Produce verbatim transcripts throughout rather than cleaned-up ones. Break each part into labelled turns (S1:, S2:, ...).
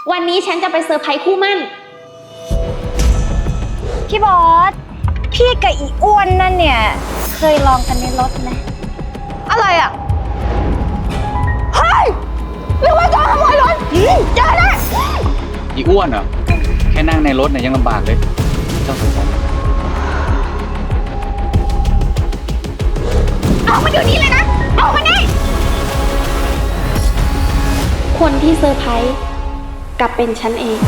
S1: วันนี้ฉันจะไปเซอร์ไพรส์คู่มั่น
S2: พี่บอสพี่กับอีอ้วนนั่นเนี่ยเคยลองกันในรถไหมอะไรอ่ะเฮ้ยหรือว่าจะขโมยรถเจอแน่
S3: อีอ้วนเหรอแค่นั่งในรถเนี่ยยังลำบากเลยเจ้าสงสาร
S2: เอามาเดี๋ยวนี้เลยนะเอามานี่
S1: คนที่เซอร์ไพรส์กลับเป็นฉันเอง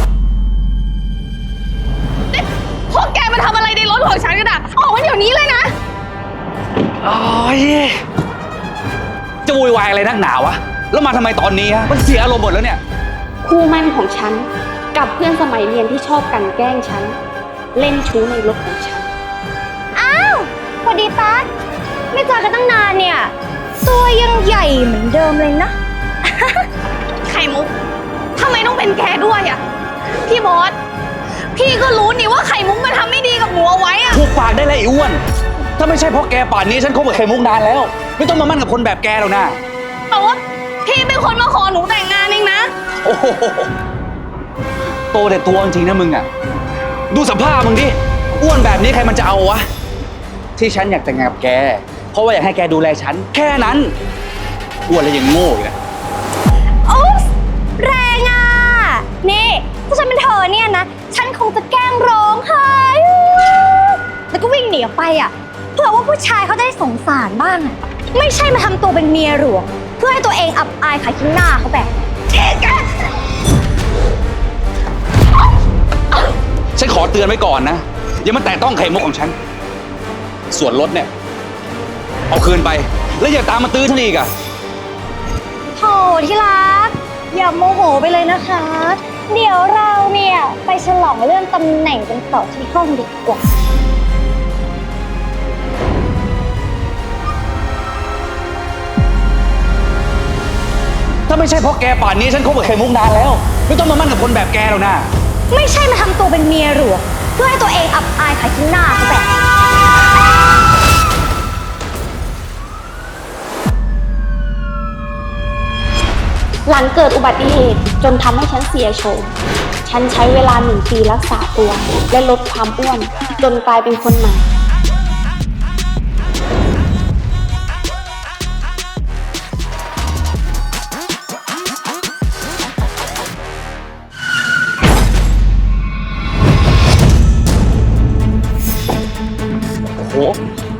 S2: พวกแกมาทำอะไรในรถของฉันกันอะออกมาเดี๋ยวนี้เลยนะ
S3: โอ้ยจะวุ่นวายอะไรนักหนาวะแล้วมาทำไมตอนนี้ฮะมันเสียอารมณ์หมดแล้วเนี่ย
S1: คู่มั่นของฉันกับเพื่อนสมัยเรียนที่ชอบกันแกล้งฉันเล่นชู้ในรถของฉัน
S2: อ้าวสวัสดีตั๊กไม่เจอกันตั้งนานเนี่ยตัวยังใหญ่เหมือนเดิมเลยนะ ไข่มุกทำไมต้องเป็นแกด้วยอ่ะพี่บอสพี่ก็รู้นี่ว่าไข่มุกมันทำไม่ดีกับหนูเอาไว้อ่ะ
S3: พูดปากได้เลยไอ้อ้วนถ้าไม่ใช่เพราะแกป่านนี้ฉันคบกับไข่มุกนานแล้วไม่ต้องมามั่นกับคนแบบแกหรอกนะ
S2: แต่ว่าพี่เป็นคนมาขอหนูแต่งงานเองนะ
S3: โอ้โหโตแต่ตัวจริงนะมึงอ่ะดูสภาพมึงดิอ้วนแบบนี้ใครมันจะเอาวะที่ฉันอยากแต่งงานกับแกเพราะว่าอยากให้แกดูแลฉันแค่นั้นอ้วนแล้วยังโง่อีกนะ
S2: โอ๊ยแรงอ่ะนี่ถ้าฉันเป็นเธอเนี่ยนะฉันคงจะแกล้งร้องไห้แล้วก็วิ่งหนีออกไปอ่ะเพื่อว่าผู้ชายเขาจะได้สงสารบ้างอ่ะไม่ใช่มาทำตัวเป็นเมียหลวงเพื่อให้ตัวเองอับอายขายขี้หน้าเขาแบบเอ๊ะแก
S3: ฉันขอเตือนไว้ก่อนนะอย่ามาแตะต้องไข่มุกของฉันส่วนรถเนี่ยเอาคืนไปแล้วอย่าตามมาตื้อฉันอีกอ่ะ
S2: โธ่ที่รักอย่าโมโหไปเลยนะคะเดี๋ยวเราเนี่ยไปฉลองเรื่องตำแหน่งกันต่อที่ห้องดีกว่า
S3: ถ้าไม่ใช่เพราะแกป่านนี้ฉันคบกับไข่มุกนานแล้วไม่ต้องมามั่นกับคนแบบแกหรอกนะ
S2: ไม่ใช่มาทำตัวเป็นเมียหลวงเพื่อให้ตัวเองอับอายขายขี้หน้าเขาแบบ
S1: หลังเกิดอุบัติเหตุจนทำให้ฉันเสียโฉมฉันใช้เวลาหนึ่งปีรักษาตัวและลดความอ้วนจนกลายเป็นคนใหม่
S3: โอ้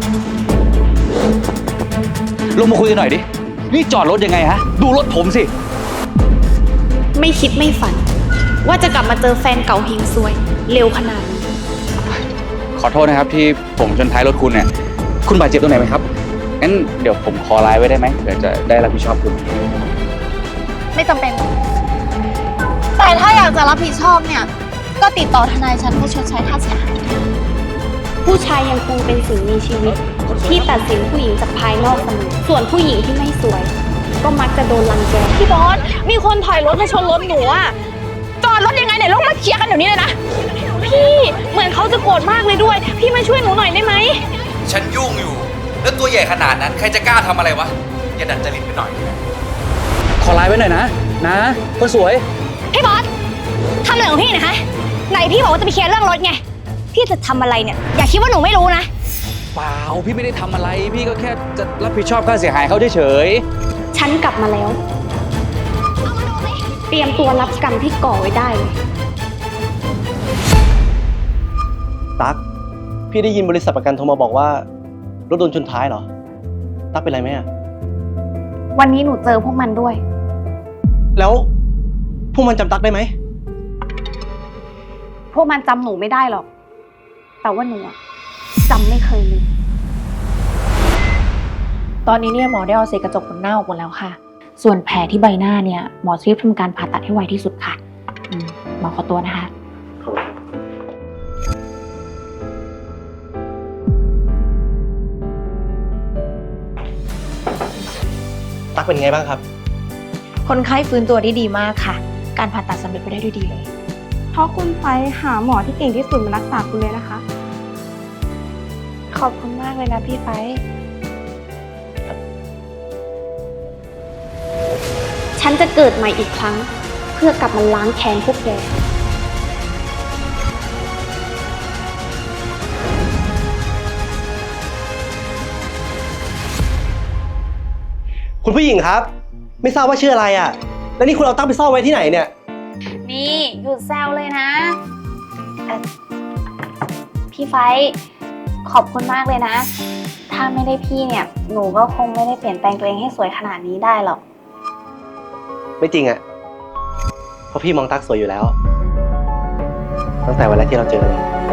S3: ลงมาคุยกันหน่อยดินี่จอดรถยังไงฮะดูรถผมสิ
S1: ไม่คิดไม่ฝันว่าจะกลับมาเจอแฟนเก่าเฮงซวยเร็วขนาดนี้
S3: ขอโทษนะครับที่ผมชนท้ายรถคุณเนี่ยคุณบาดเจ็บตรงไหนไหมครับงั้นเดี๋ยวผมขอไลน์ไว้ได้ไหมเดี๋ยวจะได้รับผิดชอบคุณ
S2: ไม่จำเป็นแต่ถ้าอยากจะรับผิดชอบเนี่ยก็ติดต่อทนายฉันให้ชดใช้ค่าเสียหาย
S1: ผู้ชายยังคงเป็นสิ่งมีชีวิตที่ตัดสินผู้หญิงจากภายนอกเสมอส่วนผู้หญิงที่ไม่สวยก็มักจะโดนรังแก
S2: พี่บอสมีคนถอยรถมาชนรถหนูอะจอดรถยังไงเนี่ยลงมาเคลียร์กันเดี๋ยวนี้เลยนะพี่เหมือนเขาจะโกรธมากเลยด้วยพี่มาช่วยหนูหน่อยได้ไหม
S3: ฉันยุ่งอยู่แล้วตัวใหญ่ขนาดนั้นใครจะกล้าทำอะไรวะอย่าดัดจริตไปหน่อยขอไลน์ไว้หน่อยนะนะคนสวย
S2: พี่บอสทำอะไรของพี่นะคะไหนพี่บอกว่าจะไปเคลียร์เรื่องรถไงพี่จะทำอะไรเนี่ยอย่าคิดว่าหนูไม่รู้นะ
S3: เปล่าพี่ไม่ได้ทำอะไรพี่ก็แค่จะรับผิดชอบค่าเสียหายเขาเฉย
S1: ฉันกลับมาแล้วเตรียมตัวรับกรรมที่ก่อไว้ได้เลย
S4: ตั๊กพี่ได้ยินบริษัทประกันโทรมาบอกว่ารถโดนชนท้ายเหรอตั๊กเป็นไรไหมอะ
S1: วันนี้หนูเจอพวกมันด้วย
S4: แล้วพวกมันจำตั๊กได้ไหม
S1: พวกมันจำหนูไม่ได้หรอกแต่ว่าหนูจำไม่เคยลืมตอนนี้เนี่ยหมอได้เอาเศษกระจกบนหน้าออกหมดแล้วค่ะส่วนแผลที่ใบหน้าเนี่ยหมอรีบทำการผ่าตัดให้ไวที่สุดค่ะหมอขอตัวนะคะ
S4: ตั๊กเป็นไงบ้างครับ
S1: คนไข้ฟื้นตัวได้ดีมากค่ะการผ่าตัดสำเร็จไปได้ด้วยดีเลย
S5: เพราะคุณไปหาหมอที่เก่งที่สุดมารักษาคุณเลยนะคะ
S1: ขอบคุณมากเลยนะพี่ไปฉันจะเกิดใหม่อีกครั้งเพื่อกลับมาล้างแค้นพวกแก
S4: คุณผู้หญิงครับ ไม่ทราบว่าชื่ออะไรอ่ะ แล้วนี่คุณเอาตั้งไปซ่อนไว้ที่ไหนเนี่ย
S2: นี่หยุดแซวเลยนะเอ่อพี่ไฟท์ขอบคุณมากเลยนะ ถ้าไม่ได้พี่เนี่ย หนูก็คงไม่ได้เปลี่ยนแปลงตัวเองให้สวยขนาดนี้ได้หรอก
S4: ไม่จริงอ่ะ เพราะพี่มองตั๊กสวยอยู่แล้ว ตั้งแต่วันแรกที่เราเจอกันเลย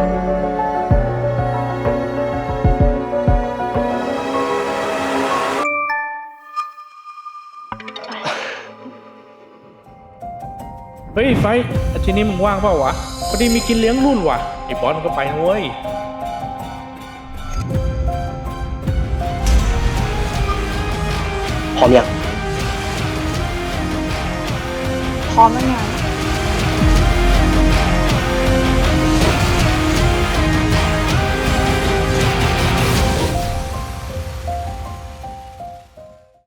S6: เฮ้ยไฟอาทิตย์นี้มึงว่างเปล่าวะพอดีมีกินเลี้ยงรุ่นว่ะไอ้บอสมันก็ไปนะเว้ย
S4: พร้อมยัง
S2: พร้อมแล้วไง